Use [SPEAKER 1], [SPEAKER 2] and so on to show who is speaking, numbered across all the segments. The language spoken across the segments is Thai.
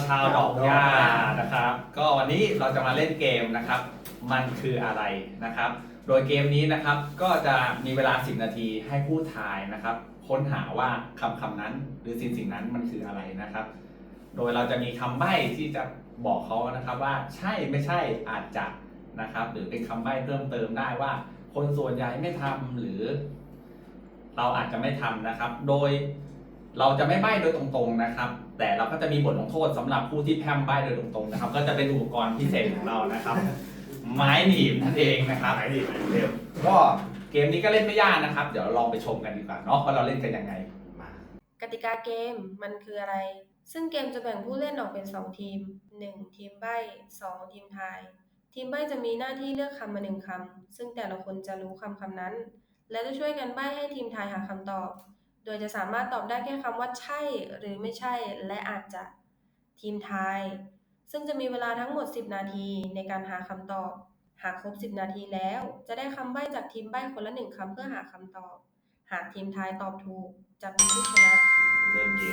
[SPEAKER 1] ชาวดอกหญ้านะครับก็วันนี้เราจะมาเล่นเกมนะครับมันคืออะไรนะครับโดยเกมนี้นะครับก็จะมีเวลา10นาทีให้ผู้ทายนะครับค้นหาว่าคำนั้นหรือสิ่งนั้นมันคืออะไรนะครับโดยเราจะมีคำใบ้ที่จะบอกเขานะครับว่าใช่ไม่ใช่อาจจะนะครับหรือเป็นคำใบ้เพิ่มเติมได้ว่าคนส่วนใหญ่ไม่ทำหรือเราอาจจะไม่ทำนะครับโดยเราจะไม่ใบ้โดยตรงๆนะครับแต่เราก็จะมีบทลงโทษสำหรับผู้ที่แพร่มใบ้โดยตรงๆนะครับก็จะเป็นอุปกรณ์พิเศษของเรานะครับไม้หนีบนั่นเองนะครับ
[SPEAKER 2] ไหนดิเร็ว
[SPEAKER 1] ก็เกมนี้ก็เล่นไม่ยากนะครับเดี๋ยวลองไปชมกันดีกว่าเนาะว่าเราเล่นกันยังไง
[SPEAKER 2] มาก
[SPEAKER 3] ติกาเกมมันคืออะไร ซึ่งเกมจะแบ่งผู้เล่นออกเป็น2ทีม1ทีมใบ้2ทีมทาย ทีมใบ้จะมีหน้าที่เลือกคำมา1คำซึ่งแต่ละคนจะรู้คำนั้นและจะช่วยกันใบ้ให้ทีมทายหาคำตอบโดยจะสามารถตอบได้แค่คำว่าใช่หรือไม่ใช่และอาจจะทีมทายซึ่งจะมีเวลาทั้งหมด10นาทีในการหาคำตอบหากครบ10นาทีแล้วจะได้คำใบ้จากทีมใบ้คนละ1คำเพื่อหาคำตอบหากทีมทายตอบถูกจะเป็นผู้ชนะ
[SPEAKER 2] เริ่มเกม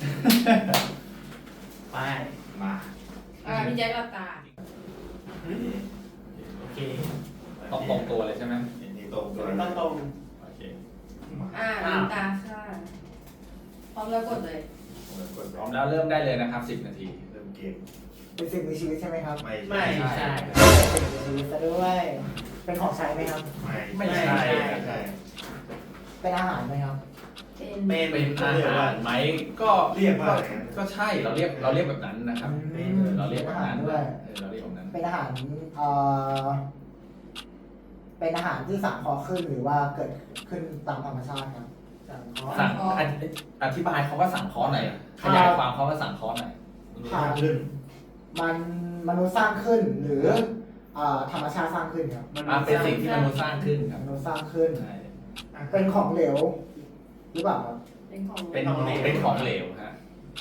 [SPEAKER 4] ไป
[SPEAKER 2] มา
[SPEAKER 5] พี่แจ๊คหลับตา
[SPEAKER 4] โอเค
[SPEAKER 1] ตรงตัวเลยใช่ไหม
[SPEAKER 2] นี่ตรงตัว
[SPEAKER 4] ต้องตรง
[SPEAKER 1] โอเค
[SPEAKER 5] ลืมตาค่ะพร้อมแล้วกดเลย
[SPEAKER 2] กด
[SPEAKER 1] พร้อมแล้วเริ่มได้เลยนะครับ10นาที
[SPEAKER 2] เริ่มเกม
[SPEAKER 6] เป็นสิ่งมีชีวิตใช่ไหมครับ
[SPEAKER 2] ไม่
[SPEAKER 4] ไม่ใช่
[SPEAKER 6] เป็นสิ่งมีชีวิตซะด้วย เป็นของใช้ไหมครับ
[SPEAKER 1] ไม่ใช่
[SPEAKER 2] ไม่ใช่
[SPEAKER 6] เป็นอาหารไหมครับ
[SPEAKER 5] เป็น
[SPEAKER 4] เป็น
[SPEAKER 1] เป็นอาหารไหมก็
[SPEAKER 2] เรียกว่าอะไรนะ
[SPEAKER 1] ก็ใช่เราเรียกแบบนั้นนะครับเราเรียกแบบนั้น
[SPEAKER 6] ด้วย
[SPEAKER 1] เราเรียกแบบนั้น
[SPEAKER 6] เป็นอาหารเป็นอาหารที่สังเคราะห์ขึ้นหรือว่าเกิดขึ้นตามธรรมชาติครับ
[SPEAKER 1] สั่งอธิบายคำว่าสั่งเคราะห์หน่อยขยายความคำว่าสั่งเคราะห์หน่อย
[SPEAKER 2] ผ่านขึ้น
[SPEAKER 6] มันมนุษย์สร้างขึ้นหรือธรรมชาติสร้างขึ้นครับ
[SPEAKER 1] เป็นสิ่งที่มนุษย์สร้างขึ้นครับ
[SPEAKER 6] มนุษย์สร้างขึ้น
[SPEAKER 1] ใช่
[SPEAKER 6] เป็นของเหลวหรือเปล่าครับ
[SPEAKER 5] เป็นของ
[SPEAKER 1] เป็นของเหลวฮะ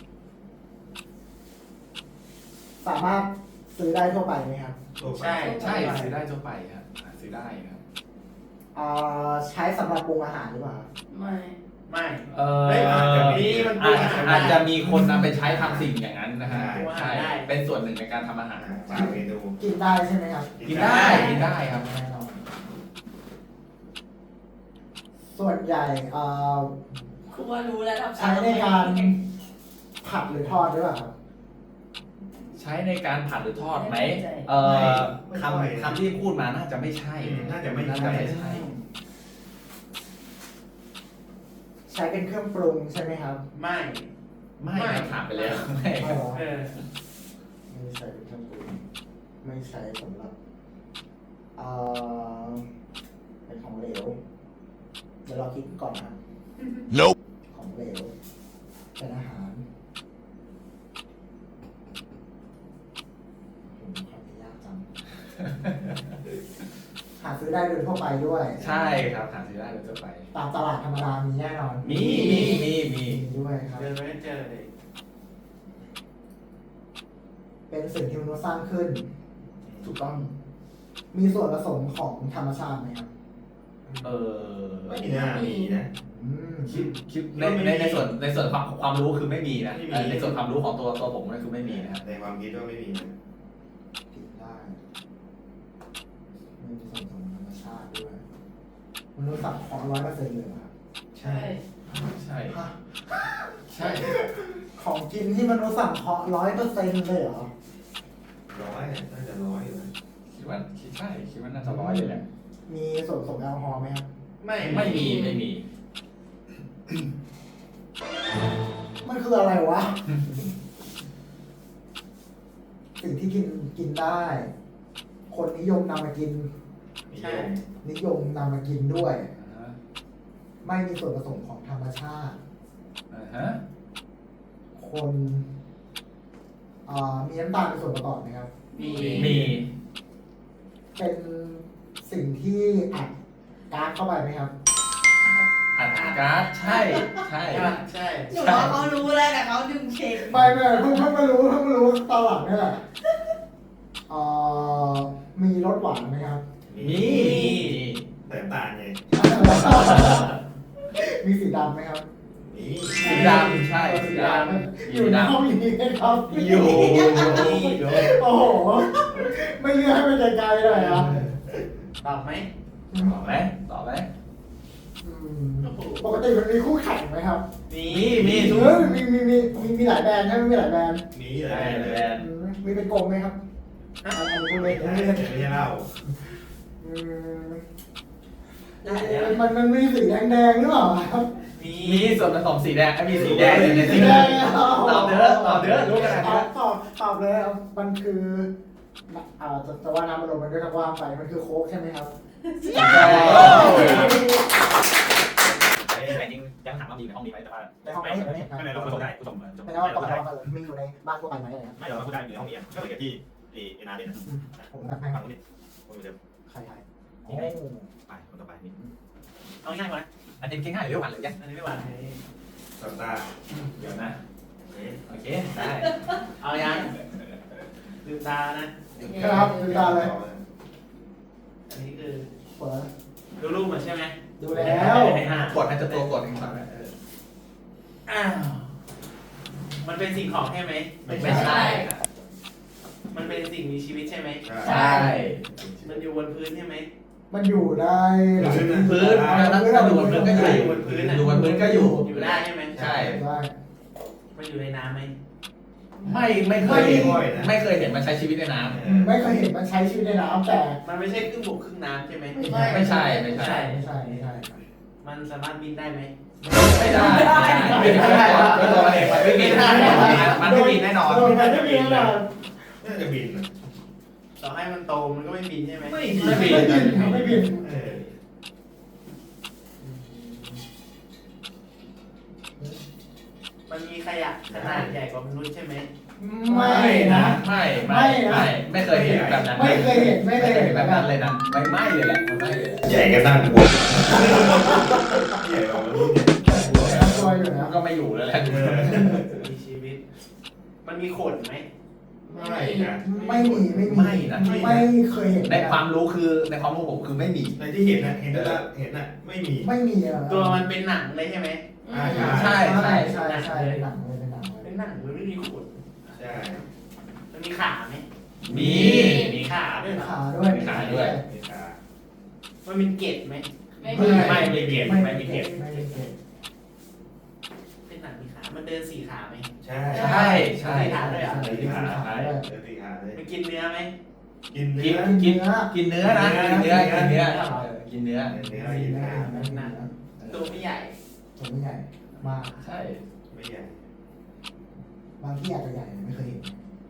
[SPEAKER 6] สามารถซื้อได้ทั่วไปไหมครับ
[SPEAKER 4] ใช่
[SPEAKER 1] ใช่ซื้อได้ทั่วไปครับซื้อได้ครับ
[SPEAKER 6] ใช้สำหรับปรุงอาหารหรือเปล่าครับ
[SPEAKER 5] ไม่
[SPEAKER 4] ไม่
[SPEAKER 2] เฮ้ยอาจจะมี
[SPEAKER 4] มันปรุงอาหารได้
[SPEAKER 1] อาจจะมีคนนำไปใช้ทำสิ่งอย่างนั้นนะฮะ
[SPEAKER 4] ปรุงอาหาร
[SPEAKER 1] ใช่
[SPEAKER 4] ได้
[SPEAKER 1] เป็นส่วนหนึ่งในการทำอาหาร
[SPEAKER 2] มาเมนู
[SPEAKER 6] กินได้ใช่ไหมครับ
[SPEAKER 1] กินได้ครับ
[SPEAKER 6] แน่นอนส่วนใหญ่
[SPEAKER 5] ครูว่ารู้แล้วทำ
[SPEAKER 6] ใช้ในการผัดหรือทอดหรือเปล่าครับ
[SPEAKER 1] ใช้ในการผัดหรือทอดไหมคำที่พูดมาน่าจะไม่ใช่
[SPEAKER 2] น่าจะไม่
[SPEAKER 1] น่า
[SPEAKER 2] ใช่
[SPEAKER 1] จะไม่ใช่
[SPEAKER 6] ใช้เป็นเครื่องปรุงใช่ไหมครับ
[SPEAKER 4] ไม่
[SPEAKER 1] ไม่ครับถามไปแล้วไม่
[SPEAKER 6] ไม่หรอ
[SPEAKER 4] เออ
[SPEAKER 6] ไม่ใช้เป็นเครื่องปรุงไม่ใช้สำหรับเป็นของเหลว เดี๋ยวเราคิดก่อนนะครับ
[SPEAKER 7] Nope.
[SPEAKER 6] ของเหลว เป็นอาหารผมขออนุญาตจัง หาซื้อได้โดยทั่วไปด้วย
[SPEAKER 1] ใช่ครับหาซื้อได้โดยทั่วไป
[SPEAKER 6] ตามตลาดธรรมดามีแน่นอน
[SPEAKER 1] มี
[SPEAKER 6] มีด้วยครับ
[SPEAKER 4] เดินไม่เจอเลย
[SPEAKER 6] เป็นสิ่งที่มนุษย์สร้างขึ้น
[SPEAKER 1] ถูกต้อง
[SPEAKER 6] มีส่วนผสมของธรรมชาติไหมครับ
[SPEAKER 2] ไม่น่ามีนะ
[SPEAKER 6] อืม
[SPEAKER 1] คิดในส่วนความรู้คือไม่มีนะในส่วนความรู้ของตัวผมนั่นคือไม่มีนะครับ
[SPEAKER 2] ในความคิดว่าไม่มีนะ
[SPEAKER 6] ผิดได้ไม่มีส่วนผสมของธรรมชาติด้วยมนุษย์สังเคราะห์100%เลยเหรอครับ
[SPEAKER 5] ใช่
[SPEAKER 1] ใช่
[SPEAKER 6] ฮะ
[SPEAKER 1] ใช่
[SPEAKER 6] ของกินที่มนุษย์สังเคราะห์100%เลยเหรอ
[SPEAKER 2] ร้อยน่าจะร้อยอยู่นะ
[SPEAKER 1] คิดว่าน่าจะร้อยเลยแหละ
[SPEAKER 6] มีส่วนผสมแอลกอฮอล์ไหมครับ
[SPEAKER 1] ไม่มี
[SPEAKER 6] มันคืออะไรวะ สิ่งที่กินได้ คนนิยมนำมากิน
[SPEAKER 2] ใช่
[SPEAKER 6] นิยมนำมากินด้วย ไม่มีส่วนผสมของธรรมชาติ คนมีน้ำตาลเป็นส่วนประกอบไหมครับ
[SPEAKER 4] มี
[SPEAKER 1] มี
[SPEAKER 6] เป็นสิ่งที่อัดก๊าซเข้าไปไหมครับ
[SPEAKER 1] อัดก๊าซใช่
[SPEAKER 4] ใช่
[SPEAKER 5] หนูว่าเขารู้แล้วแต่เขาดึงเช็ค
[SPEAKER 6] ไม่เพิ่งมารู้ตอนหลังนี่แหละมีรสหวานไหมครับ
[SPEAKER 1] มี
[SPEAKER 2] แต่ตาลไง
[SPEAKER 6] มีสีดำไหมครับ
[SPEAKER 2] มี
[SPEAKER 1] สีดำใช่สีดำมี
[SPEAKER 6] อยู่ในห้องนี้ไหมครับ
[SPEAKER 1] อยู่
[SPEAKER 6] โอ้โห ไม่เลือกให้มันไกลๆเลยอ่ะ
[SPEAKER 5] ตอบไหม
[SPEAKER 1] ตอบไหมตอบไหม
[SPEAKER 6] อืมปกติมันมีคู่แข่งไหมครับ
[SPEAKER 5] มี
[SPEAKER 1] มี
[SPEAKER 6] เออมีหลายแบรนด์ใช่ไหมมีหลายแบรนด์
[SPEAKER 2] นี่เล
[SPEAKER 1] ใช่
[SPEAKER 2] ย
[SPEAKER 1] แบรนด์
[SPEAKER 6] อืมมีเป็นกลมไหมครับอันนี้พูดเลย
[SPEAKER 2] ไม่ใช่เหล้า
[SPEAKER 6] อืม
[SPEAKER 5] ได้แล้ว
[SPEAKER 6] มันมีสีแดงๆหรือเปล่าครับ
[SPEAKER 5] มี
[SPEAKER 1] มีส่วนผสมสีแดงมีสีแดงอยู่ในสีแดงตอบเด้อรู้กันนะ
[SPEAKER 6] ตอบเลยครับมันคือจะว่าน้ำมันลมมันก็จะว่างไปมันคือโค้กใช่ไหมครับ
[SPEAKER 1] แต่จริงยังถามว่ามีในห้องนี้ไหมแต่ว่า
[SPEAKER 6] ในห้องไม่เห็นไม่เห็น
[SPEAKER 4] ไม่เป็นไรเราผสมได้ผสม
[SPEAKER 6] แต่ว่าปกติเรามีอยู่ในบ้านทั่วไปไหมอะไรครับ
[SPEAKER 4] ไม่เราพูดได้อยู่ในห้องเรียนก็เหมือนกับที่เอนาเดน
[SPEAKER 6] ผมนับให้
[SPEAKER 4] ฝั่งนู้นนี่คนเดิม
[SPEAKER 6] ใคร
[SPEAKER 4] นี่ไงไปคนต่อไปนี่
[SPEAKER 5] เอาง่ายกว่านะ
[SPEAKER 1] อันนี้ง่ายหรือหวานหรือยัง
[SPEAKER 5] อันนี้ไม่หวาน
[SPEAKER 2] สตาร์
[SPEAKER 1] เดี๋ยวนะโอเคได้
[SPEAKER 5] เอายังลืมตานะ
[SPEAKER 6] ครับดูตาเลย
[SPEAKER 5] อันนี้คือ
[SPEAKER 6] เปิด
[SPEAKER 5] ดูรูปมาใช่ไหม
[SPEAKER 6] ดูแล้ว
[SPEAKER 5] ให้ห้าก
[SPEAKER 1] ดมันจะตัวกดเองครับ
[SPEAKER 5] อ้าวมันเป็นสิ่งของใช่ไหม
[SPEAKER 1] ไม่ใช่
[SPEAKER 5] มันเป็นสิ่งมีชีวิตใช่ไหม
[SPEAKER 1] ใช่
[SPEAKER 5] มันอยู่บนพื้นใช่ไหม
[SPEAKER 6] มันอยู่ได้
[SPEAKER 1] พื้นถ้าดูบนพื้นก็อยู่ ดูบนพื้นก็อยู่
[SPEAKER 5] อยู่ได้ใช่ไหม
[SPEAKER 1] ใช่
[SPEAKER 6] ได้
[SPEAKER 5] มันอยู่ในน้ำไหม
[SPEAKER 1] ไม่เคยเห็นไม่เคยเห็นมันใช้ชีวิตในน้
[SPEAKER 6] ไม่เคยเห็นมันใช้ชีวิตในน้ำแต่
[SPEAKER 5] มันไม่ใช่ครึ่งบกครึ่งน้ำใช่ไหม
[SPEAKER 1] ำไม่ใช่ไม่ใช่
[SPEAKER 6] ไม่ใช่ไม่ใช่
[SPEAKER 5] มันสามารถบินได้ไหม
[SPEAKER 1] ไม่ได้ไม่ได้ตัวมันเองมันไม่บินมันไม่บินแน่นอน
[SPEAKER 6] โดนมันไม่มีแน่นอน
[SPEAKER 2] น่าจะบิน
[SPEAKER 5] ต่อให้มันโตมันก็ไม่บินใช่ไหม
[SPEAKER 2] ไม่
[SPEAKER 6] ไม่บินไม่บิน
[SPEAKER 5] มันมีขยะขนาดใหญ่กว่ามนุษย์ใช่ไหม
[SPEAKER 6] ไม่นะ
[SPEAKER 1] ไม่เคยเห็นแบบนั้น
[SPEAKER 6] ไม่เคยเห็นไม่เคยเห็น
[SPEAKER 1] แบบนั้นเลยนะไม่เลยแหละไม่เลย
[SPEAKER 2] ใหญ่กันตั้งบนใหญ่กว่ารุ่นเนี่ย
[SPEAKER 6] ตัวอยู่นะ
[SPEAKER 1] ก็ไม่อยู่แล้วแหละ
[SPEAKER 5] มีชีวิต มันมีขนไหม
[SPEAKER 2] ไม่นะ
[SPEAKER 6] ไม่มีไม่มี
[SPEAKER 1] ไม่นะ
[SPEAKER 6] ไม่เคยเห็น
[SPEAKER 1] ในความรู้คือในความรู้ผมคือไม่มี
[SPEAKER 2] ในที่เห็นนะเห็นแล้วเห็นน่ะไม่มี
[SPEAKER 6] ไม่มีอะ
[SPEAKER 5] ตัวมันเป็นหนังเลยใช่ไหม
[SPEAKER 6] ใช่ใช่ใช่ใช่หนังเลยเป็นหนังเลย
[SPEAKER 5] เป็นหนังมันไม่มีขน
[SPEAKER 2] ใช่
[SPEAKER 5] มันมีขาไหม
[SPEAKER 1] มี
[SPEAKER 5] มีขาด้วย
[SPEAKER 6] มี
[SPEAKER 5] เหรอ
[SPEAKER 6] ขาด้วย
[SPEAKER 1] มีขาด้วย
[SPEAKER 2] มีขา
[SPEAKER 5] มันเป็นเกล็ดไหม
[SPEAKER 1] ไม่มีเกียรติไม่มีเกียรติ
[SPEAKER 6] ไม่มีเกต
[SPEAKER 5] เป็นหนังมีขา มันเดินสี่ขาไหม
[SPEAKER 2] ใช่
[SPEAKER 1] ใช่ใช่
[SPEAKER 5] ขาด้วยเหรอ
[SPEAKER 2] เดินที่ขาเดินที่ขาเลย
[SPEAKER 5] มันกินเนื้อไหม
[SPEAKER 2] กิน
[SPEAKER 1] กิ
[SPEAKER 2] เนื้
[SPEAKER 1] น
[SPEAKER 2] อ
[SPEAKER 1] กินเนื้อนะกินเนื้อกินเนื้อกินเนื้อ
[SPEAKER 2] เนื้อ
[SPEAKER 6] ไม่
[SPEAKER 2] กิน
[SPEAKER 6] มี
[SPEAKER 2] เนื้อ
[SPEAKER 6] ไม่มี
[SPEAKER 5] ตัวไม่ใหญ่
[SPEAKER 6] ตัวไม่ใหญ่มาก
[SPEAKER 1] ใช่
[SPEAKER 2] ไม่ใหญ่
[SPEAKER 6] บางที่อาจจะใหญ่ไม่เคยเห็น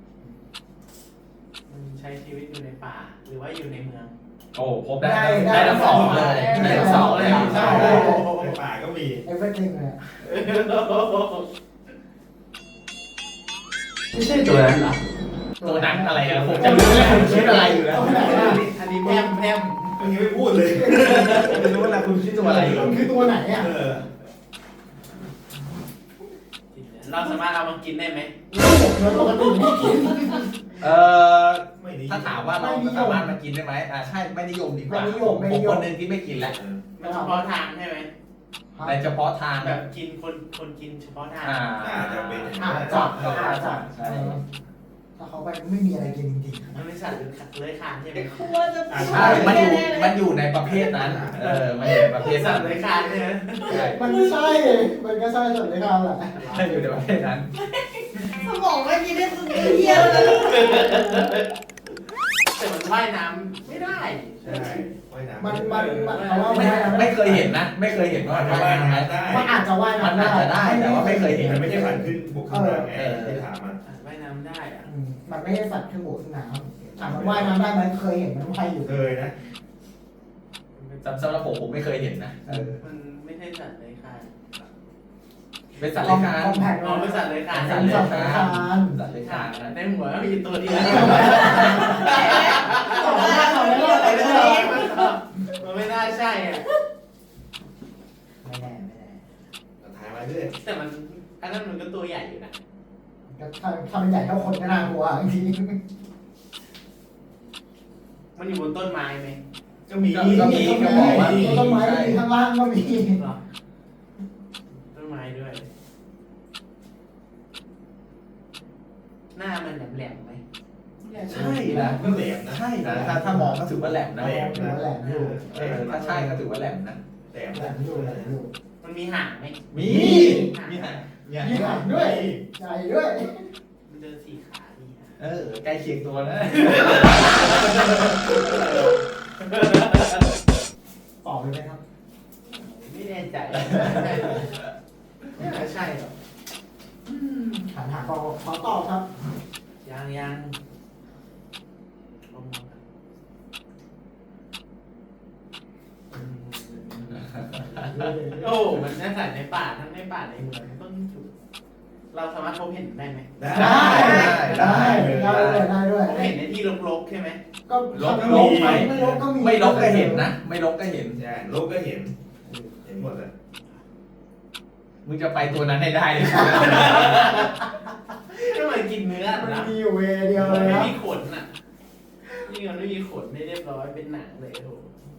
[SPEAKER 5] มันใช้ชีวิตอยู่ในป่า หรือว่าอยู่ในเมือง
[SPEAKER 1] โอ้พบได้ทั้งสองเลยได้ทั้งสองเลย
[SPEAKER 2] ใช่
[SPEAKER 1] ใช่
[SPEAKER 2] ในป่าก็มี
[SPEAKER 6] เอฟเฟกต์เลย
[SPEAKER 5] ไม่ใช่ตัวนั้นเหรอ
[SPEAKER 1] ตัวนั้นอะไรอะผมจะรู้แล้วคิดอะไรอยู่แล้ว
[SPEAKER 6] ตัวไหนอะ
[SPEAKER 5] อันนี้แพมแพม
[SPEAKER 2] เมื่อกี้ไม่พูดเลย
[SPEAKER 1] ผมจะรู้แล้วคุณคิดตัวอะไรอยู่
[SPEAKER 6] มันคือตัวไหนอ่ะ
[SPEAKER 5] เราสามารถเอามากินได้ไหม
[SPEAKER 6] เราปกติไม่กิน
[SPEAKER 1] เออ
[SPEAKER 2] ไม่ดี
[SPEAKER 1] ถ้าถามว่าเราสามารถมากินได้ไหมใช่ไม่นิยมดีกว่าผมคนหนึ่งที่ไม่กินแล้ว
[SPEAKER 5] มันเฉพาะทางใช่ไหม
[SPEAKER 1] ในเฉพาะทาง
[SPEAKER 5] แบ
[SPEAKER 1] แบบ บ
[SPEAKER 5] กินคนกินเฉพาะทาง
[SPEAKER 2] อาจจะเป็น
[SPEAKER 6] อาจจะถ้าเขาไปไม่มีอะไรกินจริง
[SPEAKER 5] มันเป็นสัตว์เลื้อยคลานใช่ไหม
[SPEAKER 1] ใช่มันอยู่ในประเภทนั้นมันอยู่ในประเภท
[SPEAKER 5] สั
[SPEAKER 1] นั้
[SPEAKER 5] ต
[SPEAKER 1] น
[SPEAKER 5] ว์เลื้อยคลานใช่ไหม
[SPEAKER 1] ใช่
[SPEAKER 6] มันไม่ใช่ มันก็ใช่ส่วนในคำแหละ
[SPEAKER 1] มันอยู่ในประเภทนั้น
[SPEAKER 7] สมองไม่คิดได้สุดเยี่ยมเลย
[SPEAKER 5] แต่มันว่ายน้ำไม่ได้
[SPEAKER 2] ใช่ว่ายน้ำ
[SPEAKER 6] มันเอาว่า
[SPEAKER 1] ไม่เคยเห็นนะ ไม่เคยเห็นว่า
[SPEAKER 2] ว่าย
[SPEAKER 1] ว่ายน้ำไหม
[SPEAKER 2] น้ำได้
[SPEAKER 6] มันอาจจะว่าย
[SPEAKER 1] มัน
[SPEAKER 6] น้ำ
[SPEAKER 1] อาจจะได้แต่ว่าไม่เคยเห็น
[SPEAKER 2] มันไม่ใช่ฝันขึ้นบุกขึ้นมาไงที่ถามมัน
[SPEAKER 5] ว่ายน้ำได้อะ
[SPEAKER 6] มันไม่ใช่สัตว์ขึ้นบกขึ้นน้ำถามมันว่ายน้ำได้ไหมเคยเห็นมันว่ายอยู่
[SPEAKER 2] เคยนะ
[SPEAKER 1] สำหรับผมไม่เคยเห็นนะ
[SPEAKER 5] มันไม่ใช่สัตว์เลื้อยคลาน
[SPEAKER 1] เป็นสัตว์เลื้อยคลาน
[SPEAKER 6] คอมแพค
[SPEAKER 5] อ๋อเป็นสัตว์เลื้อยคลาน
[SPEAKER 1] สัตว์เลื้อยคลานสัตว์เลื้อยคลานนะ
[SPEAKER 5] ในหัวมีตัวเดียว มันไม่น่าใช่อ่ะ
[SPEAKER 6] ไม่แน่ไม่แน่
[SPEAKER 2] ถ่ายมาเรื่อย
[SPEAKER 5] แต่มันอันนั้นมันก็ตัวใหญ่อยู่นะ
[SPEAKER 6] ก็ถ้ามันใหญ่เท่าคนก็น่ากลัวจริง
[SPEAKER 5] มันอยู่บนต้นไม้ไหม
[SPEAKER 2] ก็มี
[SPEAKER 6] ต้นไม้มีข้างล่างก็มี
[SPEAKER 5] หรอต้นไม้ด้วยหน้ามันแหลมๆไหม
[SPEAKER 1] ใช่นะ
[SPEAKER 2] ก็แหลมนะ
[SPEAKER 1] ใช่นะถ้ามองก็ถือว่าแหลมนะ
[SPEAKER 2] แหลม
[SPEAKER 6] ถือว่าแหลมอยู่
[SPEAKER 1] ถ้าใช่ก็ถือว่าแหลมนะ
[SPEAKER 2] แหลม
[SPEAKER 6] แหลมอยู่แหลมอยู่
[SPEAKER 5] มันมีหางไหม
[SPEAKER 1] มี
[SPEAKER 2] มีหาง
[SPEAKER 6] มีหางด้วยใหญ่ด้วย
[SPEAKER 5] มันเดินสี่ขาดีฮะ
[SPEAKER 1] ใกล้เคียงตัวนะ
[SPEAKER 6] ตอบเลยไหมครับ
[SPEAKER 5] ไม่แน่ใจไม่น่าใช่หรอก
[SPEAKER 6] หันหาขอตอบครับ
[SPEAKER 5] ยังลองมองกันโอ้มันน่าใส่ในป่าทั้งในป่าในเมืองต้นจุดเราสามารถพบเห็นได้ไหม
[SPEAKER 2] ได้
[SPEAKER 6] ได้ด้วย
[SPEAKER 5] พบเห็นในที่รกๆใช่ไหม
[SPEAKER 6] ก็
[SPEAKER 1] ลบไหม
[SPEAKER 6] ไม่ลบก็มี
[SPEAKER 1] ไม่ลบก็เห็นนะ ไม่ลบก็เห็น
[SPEAKER 2] ใช่ลูกก็เห็นหมดเลย
[SPEAKER 1] มึงจะไปตัวนั้นให้ได้เลย
[SPEAKER 5] ก็มันกินเนื้อ
[SPEAKER 6] มัน
[SPEAKER 5] นะ
[SPEAKER 6] มีอยู่เวเดียวเลย
[SPEAKER 5] ไม่
[SPEAKER 6] ครับ
[SPEAKER 5] มีขนอ่ะนี่มันไม่มีขนไม่เรียบร้อยเป็นหนังเลยโอ้โห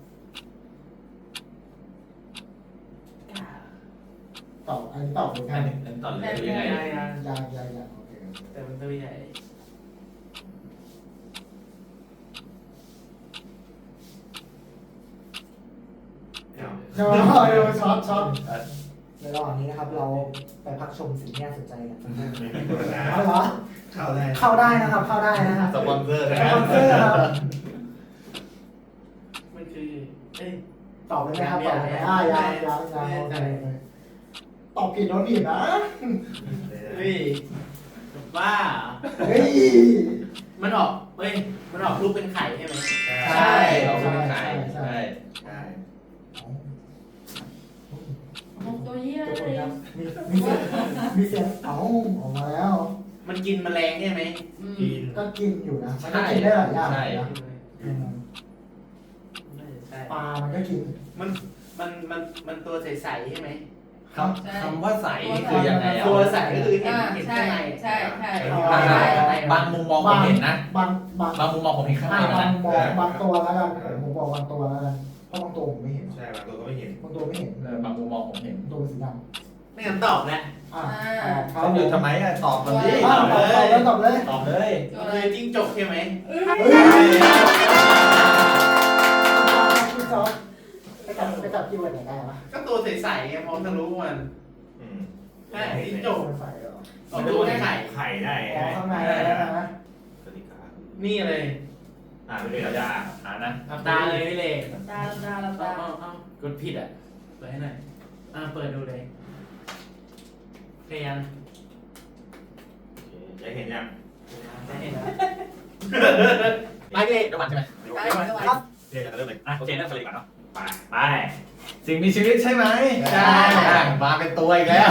[SPEAKER 6] ตอบอันนี้ตอบเลยค
[SPEAKER 1] อั
[SPEAKER 6] รั
[SPEAKER 1] น
[SPEAKER 6] บ
[SPEAKER 1] นี้ตอนเลยยังไง
[SPEAKER 6] ยังโอเค
[SPEAKER 5] แต่มันตัวใหญ่
[SPEAKER 6] เดี๋ยวช็อตในระหว่างนี้นะครับ เราไปพักชมสิ่งที่น่าสนใจกันสักครู่เอาเหรอ
[SPEAKER 2] เข้าได้
[SPEAKER 6] เข้าได้นะครับ เข้าได้นะครับ
[SPEAKER 2] สปอนเซอร์
[SPEAKER 6] ส
[SPEAKER 2] นะ
[SPEAKER 6] ปอนเซอร์ครับ
[SPEAKER 5] มันคือเอ้ย
[SPEAKER 6] ตอบเลยไหมครับตอบเลยยังโอเคตอบผิดโดนผิดนะ
[SPEAKER 5] เฮ้ยบ้า
[SPEAKER 6] เฮ้ย
[SPEAKER 5] มันออกรูปเป็นไข่ใช่ไหม
[SPEAKER 1] ใช่เราเป็นใครใช่
[SPEAKER 2] ใช่
[SPEAKER 7] ตัวเหี้ย
[SPEAKER 6] ทุก
[SPEAKER 7] เล
[SPEAKER 6] คน
[SPEAKER 7] ย
[SPEAKER 6] ครับมีเสียงออกมาแล้ว
[SPEAKER 5] มันกินแมลงใช่ไหม
[SPEAKER 2] กิน
[SPEAKER 6] ก็กินอยู่นะมันก็กินได้หลายอย่างนะ
[SPEAKER 5] ใช่
[SPEAKER 6] ปลามันก็กิน
[SPEAKER 5] มันตัวใสๆใช่ไหม
[SPEAKER 1] คำว่าใสนี่คือยังไงอ่ะ
[SPEAKER 5] ตัวใสก็คือเห็น
[SPEAKER 7] ใช่
[SPEAKER 5] ข้างใน
[SPEAKER 7] ใช่
[SPEAKER 1] บางมุมมองผมเห็นนะ
[SPEAKER 6] บาง
[SPEAKER 1] บางมุมมองผมเห็นข้างใน
[SPEAKER 6] บา
[SPEAKER 1] นะ
[SPEAKER 6] งมองบางตัวแล้วกันผมบอกบางตัวแล้วกันเพราะบางตัวผมไม่เห็น
[SPEAKER 2] ใช่บางตัวก็ไม่เห็น
[SPEAKER 6] บางตัวไม่เห็น
[SPEAKER 1] บางมุมมองผมเห็น
[SPEAKER 6] บางตัวเป็นสีด
[SPEAKER 5] ไม่งั้นตอบแล้ว
[SPEAKER 6] ำครับ
[SPEAKER 1] ต้องอยู่ทำไมอ่ะตอบมันดิ
[SPEAKER 6] ตอบเลยตอบเลย
[SPEAKER 1] ตอบเลย
[SPEAKER 7] ตัว
[SPEAKER 5] มัน
[SPEAKER 7] อะไร
[SPEAKER 5] คือจิ้งจกใช่ไหม
[SPEAKER 6] เฮ้ยพี่จ๊อบไปจับที่วันไหนได้ปะ
[SPEAKER 5] ก็ตัวใสๆไงมองทะลุมัน
[SPEAKER 2] อืม
[SPEAKER 5] ใช่จิ้งจก
[SPEAKER 6] ใส่เหรอ
[SPEAKER 5] ออกตัวไข่
[SPEAKER 2] ไข่ได้
[SPEAKER 6] อ๋อข้างในได้นะ
[SPEAKER 2] สวัสดีครับ
[SPEAKER 5] นี่เลย
[SPEAKER 2] ไม่เป็นไร
[SPEAKER 1] หานะ
[SPEAKER 5] หลับตาเลยพี่เล็ก
[SPEAKER 7] ตาตา
[SPEAKER 5] เอากดผิดอ่ะเปิดให้หน่อยเปิดดูเลยพยายาม
[SPEAKER 2] จะเห็นยัง
[SPEAKER 5] ได้เห็นแล้ว
[SPEAKER 1] ไปเลยเดี๋ยวมันใช่ไหม
[SPEAKER 6] ครับ
[SPEAKER 2] เดี๋ยวจะเริ่มเลย
[SPEAKER 1] โอเคนั่นเลยก่อนเนาะไปสิ่งมีชีวิตใช่ไหม
[SPEAKER 5] ใช่
[SPEAKER 1] มาเป็นตัวอีกแล้ว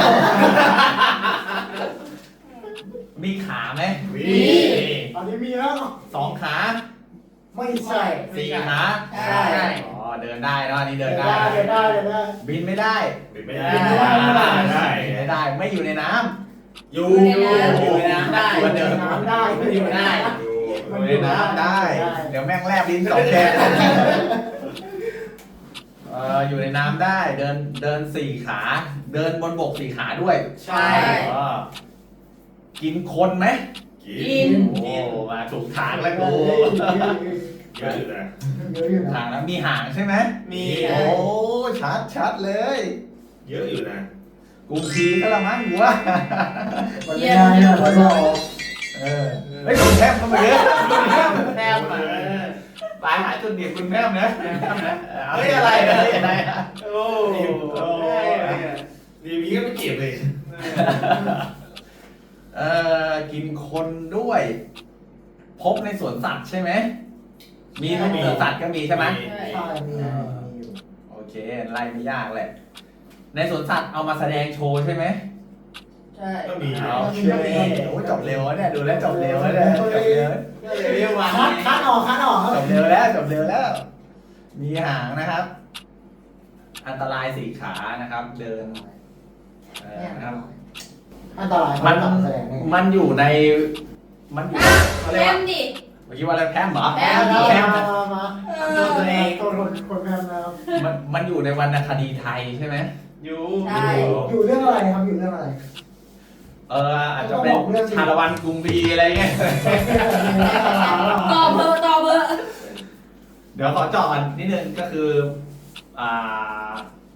[SPEAKER 1] มีขาไหม
[SPEAKER 2] วี
[SPEAKER 6] อันนี้มีแล้ว
[SPEAKER 1] 2 ขา
[SPEAKER 6] ไม่ใช่
[SPEAKER 1] 4 ขา
[SPEAKER 5] ใช่
[SPEAKER 1] อ๋อเดินได้เนาะอันนี้เดินได้
[SPEAKER 6] เดินได้
[SPEAKER 1] บินไม่ได้
[SPEAKER 2] บินไม่ได้
[SPEAKER 1] บินไม่ได้
[SPEAKER 2] ได้
[SPEAKER 1] บินไม่ได้ไม่อยู่ในน้ำ
[SPEAKER 2] อยู่
[SPEAKER 5] อยู่ในน้ำได้
[SPEAKER 1] อยู่เดิน
[SPEAKER 6] น้ำได้
[SPEAKER 5] อยู่ได้
[SPEAKER 1] อยู่ในน้ำได้ เดี๋ยวแม่งแลบลิ้น2 แฉกอยู่ในน้ำได้เดิน4 ขา เดินบนบก4 ขาด้วย
[SPEAKER 5] ใช่
[SPEAKER 1] อ๋อกินคนไหม
[SPEAKER 2] กิน
[SPEAKER 1] โอ้มาถูกทางแล้วกู
[SPEAKER 2] เยอะอยู่นะ
[SPEAKER 6] เยอะอยู่นะ
[SPEAKER 1] ทางแล้วมีหางใช่ไหม
[SPEAKER 5] มี
[SPEAKER 1] โอ้ชัดเลย
[SPEAKER 2] เยอะอยู่นะ
[SPEAKER 1] กุมพีก็ละมั้งหัว
[SPEAKER 6] วันนี้เนี่ยเราบอก
[SPEAKER 1] เฮ้ยคุณแพมก็มาเยอะ
[SPEAKER 5] แต้มอ่ะ
[SPEAKER 1] ไปหาจุดเด่นคุณแพมนะ
[SPEAKER 5] เฮ้ยอะไร
[SPEAKER 1] อะไร
[SPEAKER 5] โอ้
[SPEAKER 2] ดีมีก็ไม่เก็บเลย
[SPEAKER 1] กินคนด้วย พบในสวนสัตว์ใช่ไหมมีในสวนสัตว์ก็มีใช่ไหม
[SPEAKER 6] ใช่มีอยู่
[SPEAKER 1] โอเคไล่ไม่ยากแหละในสวนสัตว์เอามาแสดงโชว์ใช่ไหม
[SPEAKER 7] ใช่
[SPEAKER 2] ก็มี
[SPEAKER 1] โอเคโอ้ยจบเร็วเนี่ยดูแล้วจบเร็วแล้วเนี่ยจบเร็ว
[SPEAKER 5] ก็เลยเรียกว่า
[SPEAKER 6] คัดออกครับ
[SPEAKER 1] จบเร็วแล้ว มีหางนะครับ อันตราย4 ขานะครับ เดินนะครับ
[SPEAKER 6] อันตราย
[SPEAKER 1] มันอยู่ในมันอยู่เขาเรียก
[SPEAKER 7] แอ
[SPEAKER 1] ว่าม
[SPEAKER 7] ดิ
[SPEAKER 1] เมื่อกี้ว่าอะไรแพมเหรอ
[SPEAKER 7] แพม
[SPEAKER 1] แพม
[SPEAKER 6] มา
[SPEAKER 5] ตัวเอง
[SPEAKER 6] คนแพมนะครับ
[SPEAKER 1] มันอยู่ในวรรณคดีไทยใช่ไหม
[SPEAKER 5] อยู่
[SPEAKER 7] ใช่
[SPEAKER 6] อยู่เรื่องอะไรครับอยู่เรื่องอะไร
[SPEAKER 1] อาจจะเป็นชาละวันกรุงบีอะไรเงี้ย
[SPEAKER 7] ต่อเบอร์ต่อเบอร์
[SPEAKER 1] เดี๋ยวขอเจาะกันนิดนึงก็คืออ่า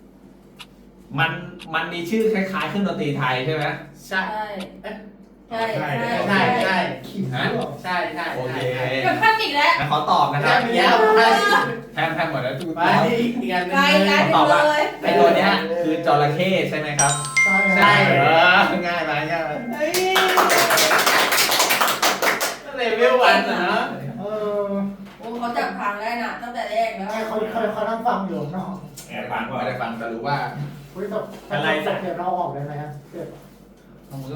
[SPEAKER 1] มันมีชื่อคล้ายๆเครื่องดนตรีไทยใช่ไหม
[SPEAKER 5] ใช่
[SPEAKER 7] ใช่ใช่
[SPEAKER 5] ใช่
[SPEAKER 7] ใช่
[SPEAKER 5] ใช่
[SPEAKER 6] ขิงด้วยเหรอ
[SPEAKER 5] ใช่ใช่
[SPEAKER 1] โอเค
[SPEAKER 7] กับพลาสติกแล้ว
[SPEAKER 1] งั้นขอตอบนะครับ
[SPEAKER 5] เดี๋ยวไป
[SPEAKER 1] แทมหมดแล้วทุก
[SPEAKER 5] ไปอีกอันนึง
[SPEAKER 7] ไกลไกล
[SPEAKER 1] ตอบว่า
[SPEAKER 7] เลย
[SPEAKER 1] ไอตัวเนี้ยคือจระเข้ใช่ไหมครับ
[SPEAKER 6] ใช่
[SPEAKER 5] ใช่
[SPEAKER 1] ง่ายไหมง่ายไหม
[SPEAKER 5] เฮ้ยเลเวลวันนะ
[SPEAKER 6] เออ
[SPEAKER 7] โอ้เขาจับทางได้น่ะตั้งแต่แรกแล้ว
[SPEAKER 6] เขานั่งฟังอยู่เนาะ
[SPEAKER 2] แอบฟังว่า
[SPEAKER 1] ไม่ได้ฟังแต่รู้ว่า
[SPEAKER 6] เฮ้ยแต่เดี๋ยวเราออกได้ไหมฮะเดี๋ยว
[SPEAKER 1] ต้องมือ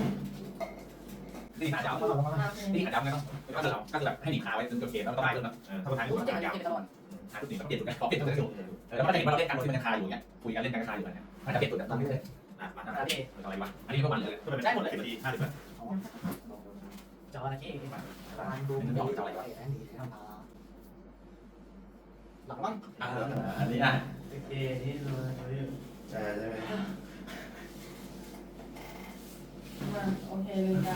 [SPEAKER 1] นี่ขาจับนี่ขาจับไงต้องก็คือแบบให้หนีขาไว้จนจบเกมแล้วก็ได้ด้วยนะ
[SPEAKER 4] ถ้าคนไทยก็
[SPEAKER 7] เจ็บ
[SPEAKER 4] ยาว
[SPEAKER 7] เจ็บตลอด
[SPEAKER 1] หาจุดหนีแบบเปลี่ยนจุดไงพอเปลี่ยนจุดก็ถูกแล้วก็จะเห็นว่าเราเล่นการโดยที่มันยังคาอยู่เงี้ยคุยกันเล่นกันคาอยู่เนี่ยมันจะเปลี่ยนจุดแบบนั้นไม่ใช่
[SPEAKER 4] มา
[SPEAKER 1] อะไรวะอันนี้ก็มันเลย
[SPEAKER 4] ได้หมดเลย10 นาที 50 นาที
[SPEAKER 5] จระเข้
[SPEAKER 6] ฟังดูไม่ได้อะไรแอนดี้ทำมาหลังมั้ง
[SPEAKER 1] อันนี้อ่ะ
[SPEAKER 5] โอเคนี่เลย
[SPEAKER 2] ใช่ไหม
[SPEAKER 7] มาโอเคลืมตา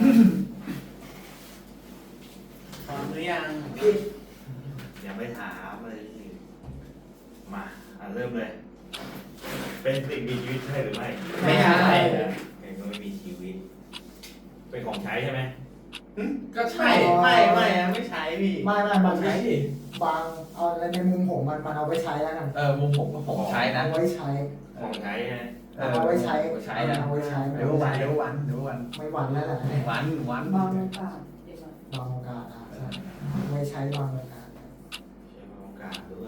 [SPEAKER 5] พร้อมหรือยัง
[SPEAKER 2] ยังไม่ถามเลยมาเริ่มเลย เป็นสิ่งมีชีวิตใช่หรือไม่
[SPEAKER 5] ไม่ใช่
[SPEAKER 2] เองก็ไม่มีชีวิต เป็นของใช้ใช่ไหม
[SPEAKER 5] ก็ใช่ไม่ไม่ใช้พี่
[SPEAKER 6] ไม่มันใช้บางเอาในมุมผมมันเอาไว้ใช้แล้วกัน
[SPEAKER 1] มุมผมใช้นะ
[SPEAKER 6] เอาไว้ใช้
[SPEAKER 2] ของใช้ใช่ไหม
[SPEAKER 6] เอาไว้ใช้
[SPEAKER 1] ใช้นะ
[SPEAKER 6] เอาไว้ใช้
[SPEAKER 1] เดี๋ยววัน
[SPEAKER 6] ไม่หวั่นแล้วแหละ
[SPEAKER 1] วัน
[SPEAKER 7] บางโอกาสเดี๋ยวก่อน
[SPEAKER 6] บางโอกาสไว้ใช้บางโอกาส
[SPEAKER 2] ใช้โอกาสด้วย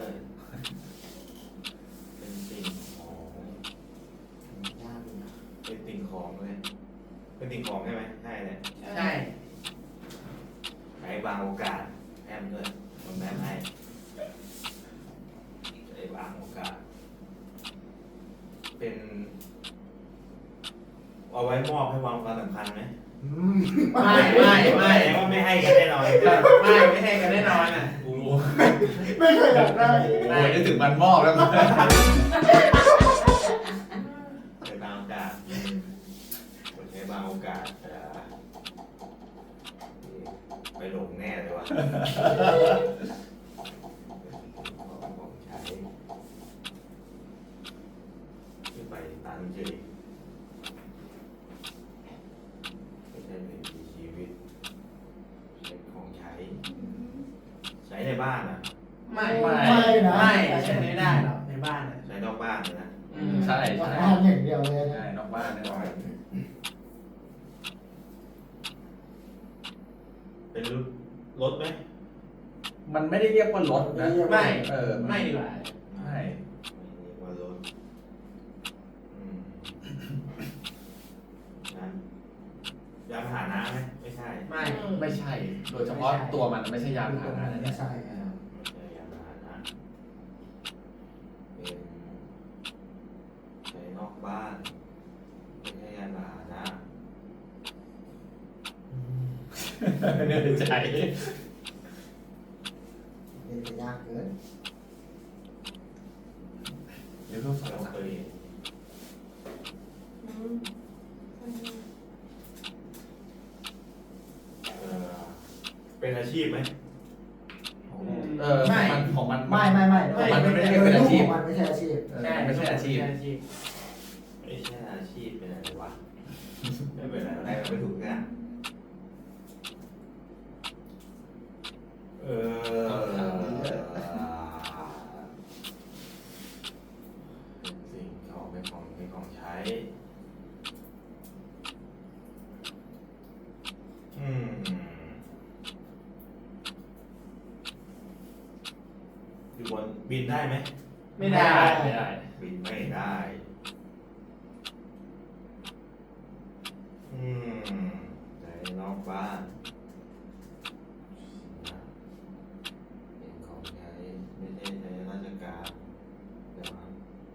[SPEAKER 2] เป็นสิ่งของ
[SPEAKER 6] ยากอยู่นะ
[SPEAKER 2] เป็นสิ่งของเลยเป็นสิ่งของใช่ไหมใช่เลย
[SPEAKER 5] ใช่
[SPEAKER 2] ใช้บางโอกาสแอมด้วยผมแม่ให้ใช้บางโอกาส เป็นเอาไว้มอบให้ความสำคัญไหม
[SPEAKER 5] ไม่
[SPEAKER 2] แสดงว่าไม่ให้กันแน่นอน
[SPEAKER 5] ไม่ให้กันแน่นอนอ่ะ
[SPEAKER 6] ไม่เคยอยากได้
[SPEAKER 1] โอ้ยนึกถึงมันมอบแล้ว
[SPEAKER 2] ใช้บางโอกาสใช้บางโอกาสไปหลงแน่เลยว่ะของใช้ขึ้นไปตามเฉยไม่ใช่เป็นชีวิตใช้ของใช้ ใช้ในบ้านอ่ะ
[SPEAKER 5] ไม่
[SPEAKER 6] นะ
[SPEAKER 5] ใช้ไม่ได้หรอกในบ้านอ่ะ
[SPEAKER 2] ใช้นอกบ้านเลยนะ
[SPEAKER 1] ใช่
[SPEAKER 6] บ้า
[SPEAKER 1] ใช่
[SPEAKER 6] นอย่างเดียวเลย
[SPEAKER 1] ใช่นอกบ้านแน่นอน
[SPEAKER 2] เป็นรถไหม
[SPEAKER 1] มันไม่ได้เรียกว่ารถนะ
[SPEAKER 5] ไม่
[SPEAKER 1] ไม่
[SPEAKER 5] ดีกว่า
[SPEAKER 1] ใช่
[SPEAKER 2] ไม่เรียกว่ารถนั้นยานพาหนะไหมไม่ใช่
[SPEAKER 1] ไม่ใช่ โดยเฉพาะตัวมันไม่ใช่ยานพาหนะนะ
[SPEAKER 6] ไม่
[SPEAKER 1] เนี่ย
[SPEAKER 6] ใช่
[SPEAKER 2] ไม่ใช่ยานพาหนะเป็นใช้นอกบ้านไม่ใช่ยานพาหนะ
[SPEAKER 1] เนื่อยใจ
[SPEAKER 6] เป็นยากเกิน
[SPEAKER 1] เดี๋ยวรูปสอง
[SPEAKER 2] เรา
[SPEAKER 1] สาม
[SPEAKER 2] เคย
[SPEAKER 7] อืม
[SPEAKER 2] เป็นอาชีพไหม
[SPEAKER 1] มันของมัน
[SPEAKER 6] ไม่
[SPEAKER 1] มันไม่ได้เป็นอาชีพ
[SPEAKER 6] มันไม่ใช่อาชีพ
[SPEAKER 1] ไม่ใช่อาชีพ
[SPEAKER 2] ไม่ใช่อาชีพเป็นอะไรวะไม่เป็นอะไรไม่ถูกกันสิ่งของเป็นของใช้อยู่บนบินได้ไหม
[SPEAKER 5] ไม่ได้
[SPEAKER 1] ไม่ได้
[SPEAKER 2] บินไม่ได้ใช้นอกบ้านเป็นของใช้ไม่ใช่ใช้ราชการเดี๋ยวครับ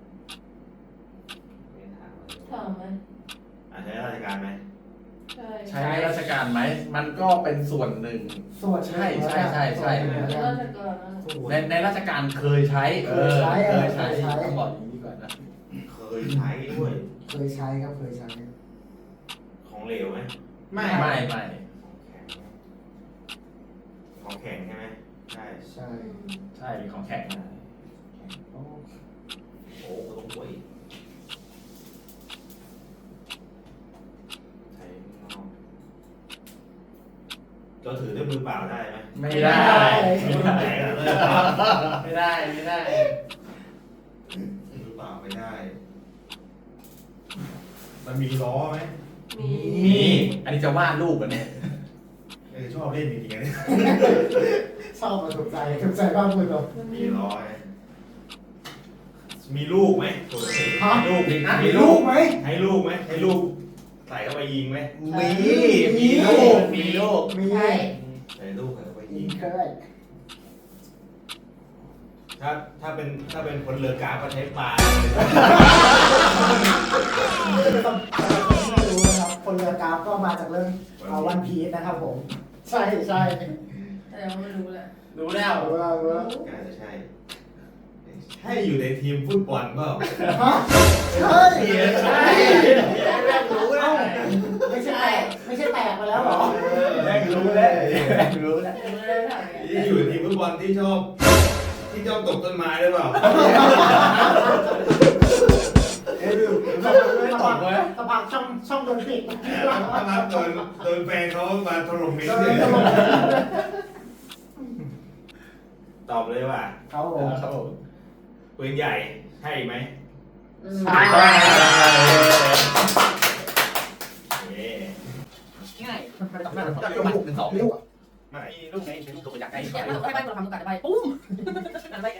[SPEAKER 2] ไม่ถาม
[SPEAKER 7] ถามไหม
[SPEAKER 2] ใช้ราชการไหม
[SPEAKER 7] ใช่
[SPEAKER 1] ใช้ในราชการไหม มันก็เป็นส่วนหนึ่ง
[SPEAKER 6] ส่วน
[SPEAKER 1] ใช่
[SPEAKER 7] ราชการนะ
[SPEAKER 1] ในราชการเคยใช้ เคยใช้ต้องบอกอย่างนี้ก่อนนะ
[SPEAKER 2] เคยใช้ด้วย
[SPEAKER 6] เคยใช้ครับเคยใช้
[SPEAKER 2] ของของเหลวไหม
[SPEAKER 5] ไม่
[SPEAKER 1] ไม่
[SPEAKER 2] ของแข็งใช่ไหมใช่
[SPEAKER 6] ใช่
[SPEAKER 1] ใช่มีของแข็งนะ
[SPEAKER 6] โอ้
[SPEAKER 2] โอ้ก็ต้องป่วยใช้ข้างนอกเราถือด้วยมือเปล่าได้ไหม
[SPEAKER 1] ไม่ได้
[SPEAKER 2] ไม่ได้เลย
[SPEAKER 5] ไม่ได้ไม่ได้
[SPEAKER 2] มือเปล่าไม่ได้ มันมีล้อไหม
[SPEAKER 3] มี
[SPEAKER 1] มีอันนี้จะวาดรูปกันเนี่ย
[SPEAKER 2] ชอบเล่นจริงๆนะ
[SPEAKER 6] ชอบมาถูกใจบ้างคุณเหรอ
[SPEAKER 2] มีล้อไหมมีลูกไหมปกติ
[SPEAKER 6] ฮะ
[SPEAKER 2] ลูก
[SPEAKER 1] มีลูก
[SPEAKER 6] ไหม
[SPEAKER 2] ให้ลูกไหมให้ลูกใส่เข้าไปยิงไหม
[SPEAKER 1] มีลูกมีลูก
[SPEAKER 6] มี
[SPEAKER 7] ใช่
[SPEAKER 2] ใส่ลูกใส่เข้าไป
[SPEAKER 6] ยิ
[SPEAKER 2] ยิ
[SPEAKER 6] ง
[SPEAKER 2] ง
[SPEAKER 6] เคย
[SPEAKER 2] ถ้าเป็นคนเรือกราฟก็ใช้ปลา
[SPEAKER 6] ไม่รู้นะครับคนเรือกราฟก็มาจากเรื่องวันพีซนะครับผม ใช่
[SPEAKER 7] แต่ยังไม่รู้เลย
[SPEAKER 5] รู้แล้ว
[SPEAKER 6] รู้แล้ว
[SPEAKER 2] น่าจะใช่ให้อยู่ในทีมฟุตบอลเปล่า
[SPEAKER 6] ฮะใช่
[SPEAKER 5] ใช่แม่รู้แล้ว
[SPEAKER 6] ไม่ใช่แตกมาแล้วเหรอ
[SPEAKER 1] แม่งรู้แล้วแม่งรู้แล้ว
[SPEAKER 7] ยังไม่ได้ถามไง
[SPEAKER 2] ที่อยู่ในทีมฟุตบอลที่ชอบตกต้นไม้หรือเปล่า
[SPEAKER 1] ไม่ตอบเลย
[SPEAKER 6] สะพานช่องโดนปิด
[SPEAKER 2] ถ้าโดนแฟนเขามาถล่มมิด
[SPEAKER 6] โดน
[SPEAKER 2] เลย
[SPEAKER 6] ตลก
[SPEAKER 2] ตอบเลยว่า
[SPEAKER 6] เขาผม
[SPEAKER 1] ครับผม
[SPEAKER 2] ปืนใหญ่ใช่ไหม
[SPEAKER 6] ใช่
[SPEAKER 2] เอ๊ะ
[SPEAKER 1] ง่าย1 2
[SPEAKER 6] ลูก
[SPEAKER 2] ไม่
[SPEAKER 1] มีลูกไงมีลูกตัวอยากได้
[SPEAKER 7] อยากให้ใบตัวทำตัวกัดใบปุ้มนั่นใบ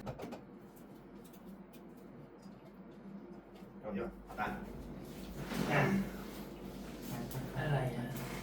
[SPEAKER 2] เอาดีกว่าเอาตัน
[SPEAKER 5] อะไรอ่ะ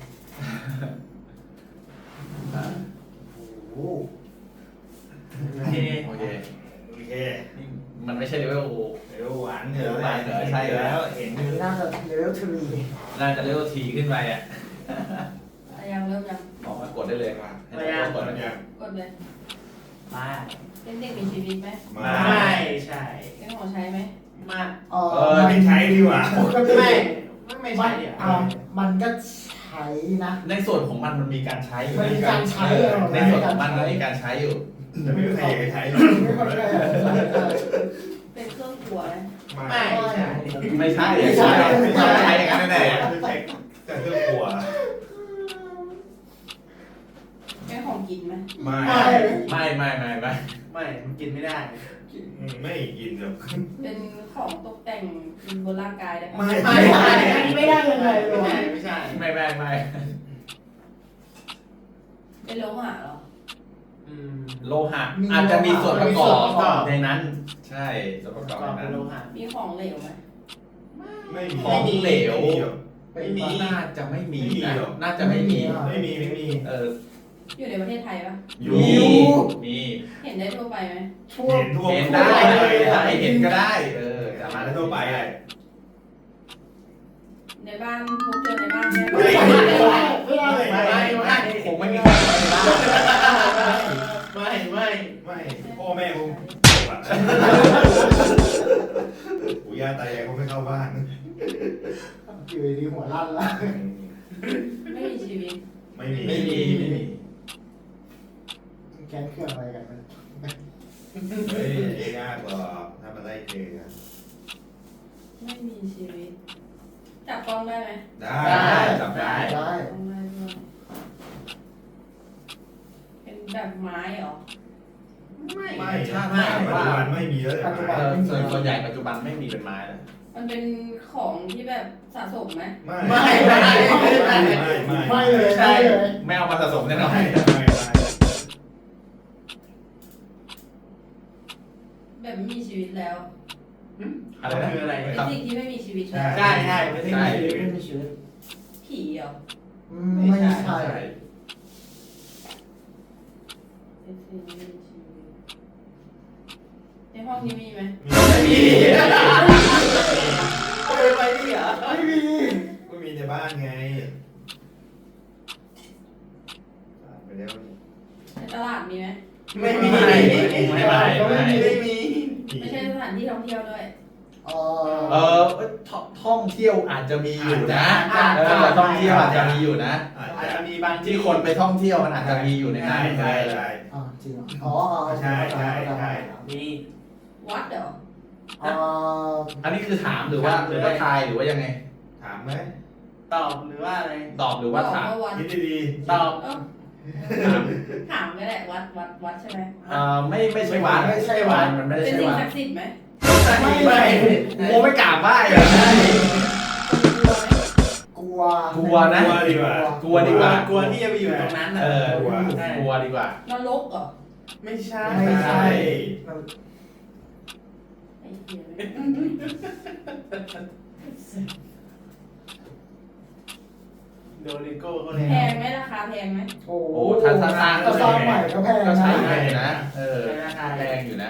[SPEAKER 6] โอ้
[SPEAKER 5] โอเค
[SPEAKER 1] โอเค
[SPEAKER 2] โอเค
[SPEAKER 1] นี่มันไม่ใช่เลเวล
[SPEAKER 2] เดี๋ยวหวานเหรอ
[SPEAKER 1] หวานเหรอใช่แล้ว
[SPEAKER 2] เห็น
[SPEAKER 6] อันนี้น่าจะเลเวลทรี
[SPEAKER 1] น่าจะเลเวลทีขึ้นไปอ่ะ
[SPEAKER 7] ยังเริ่มยัง
[SPEAKER 1] ออกมากดได้เลยมาให้เรากด
[SPEAKER 2] มั
[SPEAKER 1] มัน น
[SPEAKER 2] ยัง
[SPEAKER 7] กดเลย
[SPEAKER 5] มา
[SPEAKER 7] เป็นเด็กมีชีวิตไหม
[SPEAKER 2] มา
[SPEAKER 5] ไม่ใช่
[SPEAKER 7] เป็นของใช้ไหม
[SPEAKER 5] มา
[SPEAKER 2] ไม่ใช้ดีกว่า
[SPEAKER 5] ไม่ใช่เดี๋ยว
[SPEAKER 6] มันก็ใช้นะ
[SPEAKER 1] ในส่วนของมันมีการใช้อยู่
[SPEAKER 6] มันมีการใช้
[SPEAKER 1] ในส่วนของมันมีการใช้อยู่
[SPEAKER 2] แต่ไม่มีใครอยากจะใช้หรอก
[SPEAKER 6] ไม่ค่อยได้
[SPEAKER 7] เป็นเครื่องครัวไหม
[SPEAKER 5] ไม่ใช่
[SPEAKER 1] ไม่ใช่ไม่ใช่ไม่ใช่อย่างนั้นแน่
[SPEAKER 2] ไม่ใช่แต่เครื่องครัว
[SPEAKER 7] เป็นของกินไหม
[SPEAKER 2] ไม่
[SPEAKER 1] ไม่ไม่ไม่ไม่
[SPEAKER 5] ไม่มันกินไม่ได้
[SPEAKER 2] ไม่กินหรอก
[SPEAKER 7] เป็นของตกแต่งบนร่างกายได้ไหม
[SPEAKER 2] ไม่
[SPEAKER 6] ไม่ได้ยังไงเล
[SPEAKER 5] ไม่
[SPEAKER 6] ย
[SPEAKER 5] ใช่ไม่ใช่
[SPEAKER 1] ไม่ไม่ไม่
[SPEAKER 7] เป็นโลหะเหรอ
[SPEAKER 1] โลหะอาจจะมีส่วนประกอบในนั้น ใช่ส่วนประกอบ
[SPEAKER 5] กรอบ
[SPEAKER 1] ใน
[SPEAKER 5] เป็น
[SPEAKER 1] นั้น
[SPEAKER 5] โลหะ
[SPEAKER 7] มีของเหลวไหม
[SPEAKER 2] ไม่มี
[SPEAKER 1] ของเหลว
[SPEAKER 2] ไม่มี
[SPEAKER 1] น่าจะไม่มี
[SPEAKER 2] ไม่มี
[SPEAKER 1] นะ
[SPEAKER 2] หรอ
[SPEAKER 1] น่าจะไม่มี
[SPEAKER 2] ไม่มีไม่มี
[SPEAKER 7] อยู่ในประเทศไทยปะ
[SPEAKER 1] อยู่มี
[SPEAKER 7] เห็นได้ทั่วไปไหม
[SPEAKER 6] ทั่ว
[SPEAKER 2] เห็นทั่ว
[SPEAKER 1] เห็น
[SPEAKER 2] ไป
[SPEAKER 1] ได้
[SPEAKER 2] เลย
[SPEAKER 1] ได้เห็นก็ได้สา
[SPEAKER 2] มา
[SPEAKER 1] มา
[SPEAKER 2] ได้
[SPEAKER 1] รถ
[SPEAKER 2] ทั่วไปเลย
[SPEAKER 7] ในบ้านพบเจอในบ้านไหม
[SPEAKER 2] ไม่ได้
[SPEAKER 1] คงไม่มีใครเข้าไปได้
[SPEAKER 5] ไม่
[SPEAKER 2] พ่อแม่คงจบอ่ะปู่ย่าตายายคงไม่เข้าบ้าน
[SPEAKER 6] อยู่ดีหัวลั่นละ
[SPEAKER 7] ไม่มีชีวิต
[SPEAKER 2] ไม่มี
[SPEAKER 1] ไม่มีไม่มี
[SPEAKER 6] แค้นเครื่องอะไรกันมัน
[SPEAKER 2] เฮ้ยยากกว่าถ้ามาไล่เจอ
[SPEAKER 7] ไม่มีชีวิต จับกล้องได้ไหม
[SPEAKER 2] ได้
[SPEAKER 1] จับได้
[SPEAKER 6] ได้
[SPEAKER 7] กล้องได้ด้วยเป็นแบบไม้เหรอ
[SPEAKER 2] ไม่ถ้าปัจจุบันไม่มีแล้ว
[SPEAKER 1] ส่วนใหญ่ปัจจุบันไม่มีเป็นไม้แล้ว
[SPEAKER 7] มันเป็นของที่แบบสะสมไหม
[SPEAKER 2] ไม่
[SPEAKER 6] เลย
[SPEAKER 1] ใช่
[SPEAKER 6] เลย
[SPEAKER 1] ไม่เอามาสะสมแน่นอน
[SPEAKER 7] แบบไม่มีชีวิตแล้ว
[SPEAKER 1] อะไรนะ
[SPEAKER 5] คืออะไร
[SPEAKER 7] เป็นสิ่งที่ไม่มีชีวิตแล้ว
[SPEAKER 5] ใช่ใช่ไม่ใช่
[SPEAKER 6] ไม่มีชีวิต
[SPEAKER 7] ผีเหรอ
[SPEAKER 6] ไม่ใช่
[SPEAKER 7] เป็นสิ่งที่ไม่มีชีวิตในห้องนี้มีไหม
[SPEAKER 2] ไม่มี
[SPEAKER 5] ไปดิเหรอ
[SPEAKER 6] ไม่มี
[SPEAKER 2] ก็มีในบ้านไงไปแล้ว
[SPEAKER 7] ในตลาดมีไหม
[SPEAKER 5] ไม่มี
[SPEAKER 1] ไม่มี
[SPEAKER 7] ไม่ใช่สถานที่ท่องเที่ยวด้วย
[SPEAKER 1] ท่องเที่ยวอาจจะมีอยู่นะท่องเที่ยวอาจจะมีอยู่นะ
[SPEAKER 5] อาจจะมีบาง
[SPEAKER 1] ที่คนไปท่องเที่ยวมันอาจจะมีอยู่ในนั้น
[SPEAKER 2] ใช่ใช่
[SPEAKER 6] จริงเหรออ๋อ
[SPEAKER 2] ใช่ใช่ใช่
[SPEAKER 5] มี
[SPEAKER 7] วัดเหรอ
[SPEAKER 1] อันนี้คือถามหรือว่าทายหรือว่ายังไง
[SPEAKER 2] ถามไหม
[SPEAKER 5] ตอบหรือว่าอะไร
[SPEAKER 1] ตอบหรือว่าถาม
[SPEAKER 7] บอกวัด
[SPEAKER 2] คิดดี
[SPEAKER 5] ตอบ
[SPEAKER 7] เอ้าถามก็ได้วัดใช่ไหม
[SPEAKER 1] ไม่ใช่วัดมันไม่ได้
[SPEAKER 7] เป็น
[SPEAKER 1] ใช่
[SPEAKER 7] สิ่ง
[SPEAKER 1] วัด
[SPEAKER 7] ศักดิ์สิทธิ์ไหม
[SPEAKER 1] ไม่โมไม่กราบไหว้เลย
[SPEAKER 6] กลัว
[SPEAKER 1] กลัวนะ
[SPEAKER 2] กลัวดีกว่าก
[SPEAKER 1] ลัวดีกว่า
[SPEAKER 5] กลัวที่จะไปอยู่ตรงนั้น
[SPEAKER 1] กลัวดีกว่า
[SPEAKER 7] นรกเหรอ
[SPEAKER 5] ไม่ใช่
[SPEAKER 2] ไม่ใช่
[SPEAKER 7] ไอ้เหี้ยเลย
[SPEAKER 5] โดริโก้เขา
[SPEAKER 7] แพงไหมราคาแพงไหม
[SPEAKER 6] โอ้
[SPEAKER 1] โอ้ถ้าสร้าง
[SPEAKER 6] ก็สร้างใหม่ก็แพง
[SPEAKER 1] ก็
[SPEAKER 6] นะ
[SPEAKER 1] ใช้ได้นะราคาแพงอยู่นะ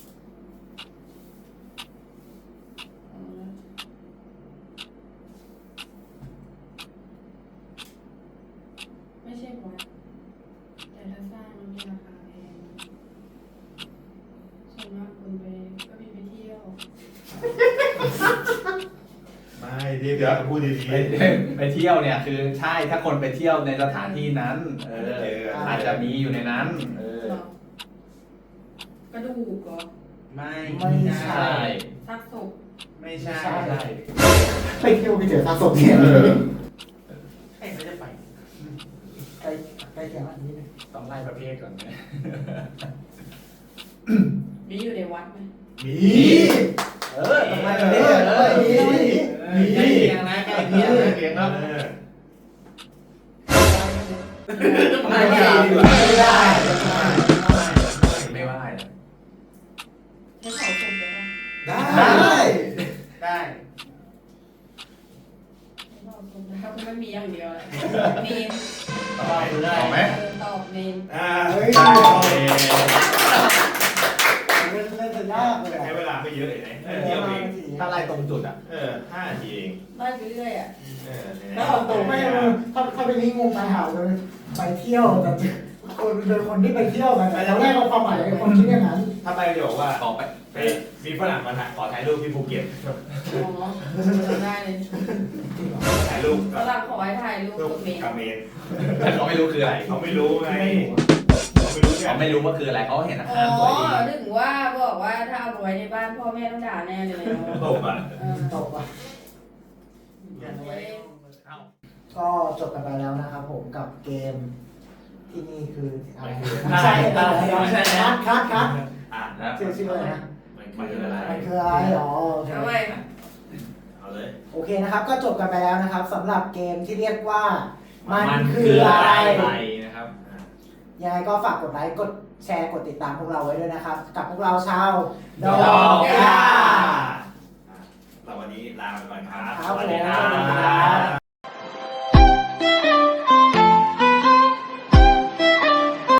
[SPEAKER 7] ไม่ใช่วัดแต่ถ้าสร้างมันมีราคาแพงส่วนมากคนไปก็มีไปเที่ยว
[SPEAKER 2] ไม่เดี๋ยวพูดดี
[SPEAKER 1] ไปเที่ยวเนี่ยคือใช่ถ้าคนไปเที่ยวในสถานที่นั้นอาจจะมีอยู่ในนั้น
[SPEAKER 7] เหรอ กระดูกเหรอ
[SPEAKER 5] ไม่
[SPEAKER 1] ใช่
[SPEAKER 7] ซากศพ
[SPEAKER 5] ไม่ใช่
[SPEAKER 6] ไปเที่ยวไปเจอซากศพเนี่ย
[SPEAKER 5] ใครเขาจะไป
[SPEAKER 6] ใกล้เคียงอันนี้นึง
[SPEAKER 1] ต้องไล่ประเภทก่อนนะ
[SPEAKER 7] มีอยู่ในวัดไหม
[SPEAKER 2] ๆมี
[SPEAKER 1] ต้องไล่ประเภท
[SPEAKER 5] ใกล้เคียงนะใกล้เคียงนะเคียงครับ
[SPEAKER 1] ไม่ได้
[SPEAKER 6] ไม่ได้
[SPEAKER 1] ไม่ไหว
[SPEAKER 7] ใช้เผาศพได้ปะ
[SPEAKER 2] ได้
[SPEAKER 5] ได้
[SPEAKER 7] ใช้เผาศพได้เพราะมันมีอย่างเดียวแหละเนน
[SPEAKER 1] ตอบไหม
[SPEAKER 7] ตอบเนน
[SPEAKER 6] เฮ้ย
[SPEAKER 2] ได้
[SPEAKER 6] เล่นจะยากเลย
[SPEAKER 2] ใช้เวลาไม่เยอะเลยนะเที่ยวเอง
[SPEAKER 1] ถ้าไล่ตรงจุดอ่ะ
[SPEAKER 2] 5 นาทีเอง
[SPEAKER 7] ไล่ไปเรื่อยอ่ะ
[SPEAKER 6] แล้วเอาตัวไม่ถ้าเป็นนี่งงตายหาเลยไปเที่ยวแต่คนเป็นคนที่ไปเที่ยวกันเราแรกเอาความหมายไอ้คนคิดอย่างนั้น
[SPEAKER 2] ถ้าไปจะบอกว่า
[SPEAKER 1] ตอบไป
[SPEAKER 2] มีฝรั่งมาขอถ่ายรูปที่ภูเก็ต
[SPEAKER 7] อ๋อจำได้เลย
[SPEAKER 2] ถ่ายรูป
[SPEAKER 7] ฝรั่งขอให้ถ่ายรูป
[SPEAKER 2] รูป
[SPEAKER 7] กับเมน
[SPEAKER 2] กับเมน
[SPEAKER 1] แต่เขาไม่รู้คืออะไร
[SPEAKER 2] เขาไม่รู้ไงเขาไม่รู้ไง
[SPEAKER 1] เขาไม่รู้ว่าคืออะไรเขาเห็นอา
[SPEAKER 7] อ๋
[SPEAKER 1] คารสวยดี
[SPEAKER 7] อถึงว่าบอกว่าถ้าเอาไปไว้ในบ้านพ่อแม่ต้องด่าแน่เลย
[SPEAKER 2] ตบอ่ะ
[SPEAKER 6] ตกอ่ะ
[SPEAKER 7] เว้ย
[SPEAKER 6] ก็จบกันไปแล้วนะครับผมกับเกมที่นี่คืออะไร
[SPEAKER 5] ใช่
[SPEAKER 6] คัด
[SPEAKER 2] อ่ะ
[SPEAKER 1] นะ
[SPEAKER 6] ชื่ออะไรนะ
[SPEAKER 2] มันคืออะไร
[SPEAKER 6] มันคืออะไรอ๋อ
[SPEAKER 7] ทำไม
[SPEAKER 2] เอาเลย
[SPEAKER 6] โอเคนะครับ ก็จบกันไปแล้วนะครับสำหรับเกมที่เรียกว่า
[SPEAKER 1] มั
[SPEAKER 6] มัน
[SPEAKER 1] น
[SPEAKER 6] คื
[SPEAKER 1] คือ อ
[SPEAKER 6] อะ
[SPEAKER 1] อะไร ไรนะครับ
[SPEAKER 6] ยังไงก็ฝากกดไลค์กดแชร์กดติดตามพวกเราไว้ด้วยนะครับ กับพวกเราชาว
[SPEAKER 1] ดอกย่า
[SPEAKER 2] เราวันนี้ลาไปก่อนครับ
[SPEAKER 6] ครับ
[SPEAKER 2] สวัสดีครั
[SPEAKER 6] ผม
[SPEAKER 2] บ